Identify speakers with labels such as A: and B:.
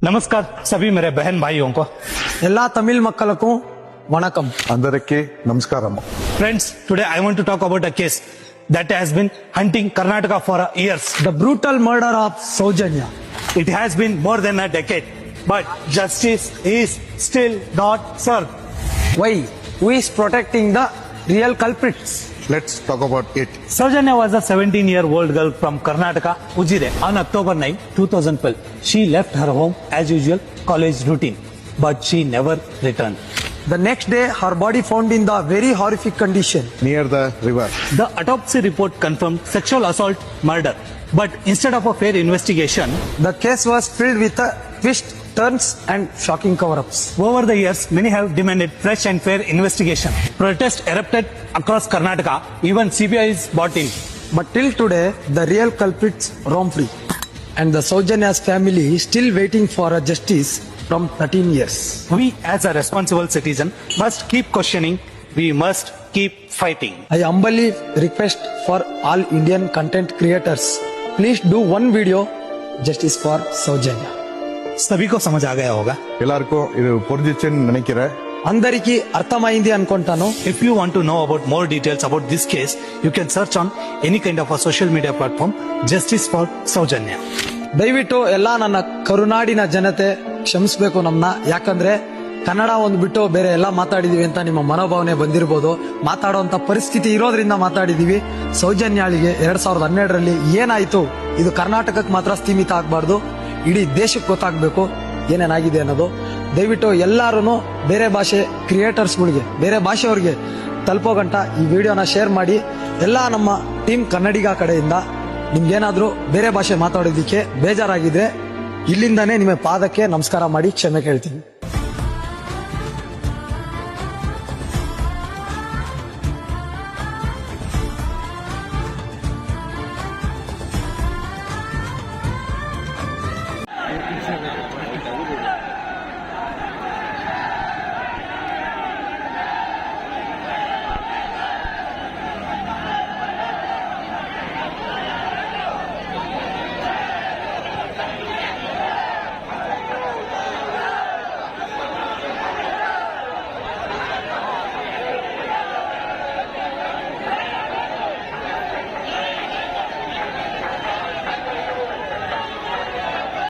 A: नमस्कार सभी मेरे बहन भाइयों को
B: எல்லா தமிழ் மக்களுக்கும் வணக்கம்.
C: అందరికీ నమస్కారం.
A: Friends, today I want to talk about a case that has been hunting Karnataka for years.
B: The brutal murder of Saujanya.
A: It has been more than a decade, but justice is still not served.
B: Why? Who is protecting the real culprits?
C: Let's talk about it.
A: Saujanya was a 17-year-old girl from Karnataka, Ujire, on October 9, 2012. She left her home as usual college routine, but she never returned.
B: The next day, her body found in the very horrific condition.
C: Near the river.
A: The autopsy report confirmed sexual assault murder, but instead of a fair investigation,
B: The case was filled with twists, turns, and shocking cover-ups.
A: over the years, many have demanded fresh and fair investigation. Protests erupted across Karnataka. Even CBI is brought in.
B: But till today, the real culprits roam free. And the Saujanya's family is still waiting for a justice from 13 years.
A: We, as a responsible citizen, must keep questioning. We must keep fighting.
B: I humbly request for all Indian content creators, please do one video, justice for Saujanya.
A: सभी को समझ आ गया होगा.
C: எல்லாருக்கும் இது புரிஞ்சிச்சுன்னு நினைக்கிறேன்.
B: అందరికీ అర్థమైంది అనుకుంటాను.
A: If you want to know about more details about this case, you can search on any kind of a social media platform, Justice for Saujanya.
B: ದಯವಿಟ್ಟು ಎಲ್ಲ ನನ್ನ ಕರುನಾಡಿನ ಜನತೆ ಕ್ಷಮಿಸಬೇಕು ನಮ್ಮನ್ನ. ಯಾಕಂದ್ರೆ ಕನ್ನಡ ಒಂದು ಬಿಟ್ಟು ಬೇರೆ ಎಲ್ಲ ಮಾತಾಡಿದೀವಿ ಅಂತ ನಿಮ್ಮ ಮನೋಭಾವನೆ ಬಂದಿರಬಹುದು. ಮಾತಾಡುವಂತ ಪರಿಸ್ಥಿತಿ ಇರೋದ್ರಿಂದ ಮಾತಾಡಿದೀವಿ. ಸೌಜನ್ಯಾಳಿಗೆ 2012ರಲ್ಲಿ ಏನಾಯ್ತು, ಇದು ಕರ್ನಾಟಕಕ್ಕೆ ಮಾತ್ರ ಸೀಮಿತ ಆಗಬಾರ್ದು, ಇಡೀ ದೇಶಕ್ಕೆ ಗೊತ್ತಾಗಬೇಕು ಏನೇನಾಗಿದೆ ಅನ್ನೋದು. ದಯವಿಟ್ಟು ಎಲ್ಲಾರು ಬೇರೆ ಭಾಷೆ ಕ್ರಿಯೇಟರ್ಸ್ಗಳಿಗೆ, ಬೇರೆ ಭಾಷೆಯವ್ರಿಗೆ ತಲುಪೋ ಗಂಟ ಈ ವಿಡಿಯೋನ ಶೇರ್ ಮಾಡಿ. ಎಲ್ಲ ನಮ್ಮ ಟೀಮ್ ಕನ್ನಡಿಗ ಕಡೆಯಿಂದ ನಿಮ್ಗೇನಾದ್ರೂ ಬೇರೆ ಭಾಷೆ ಮಾತಾಡೋದಿಕ್ಕೆ ಬೇಜಾರಾಗಿದ್ರೆ ಇಲ್ಲಿಂದಾನೇ ನಿಮ್ಮ ಪಾದಕ್ಕೆ ನಮಸ್ಕಾರ ಮಾಡಿ ಕ್ಷಮೆ ಕೇಳ್ತೀನಿ.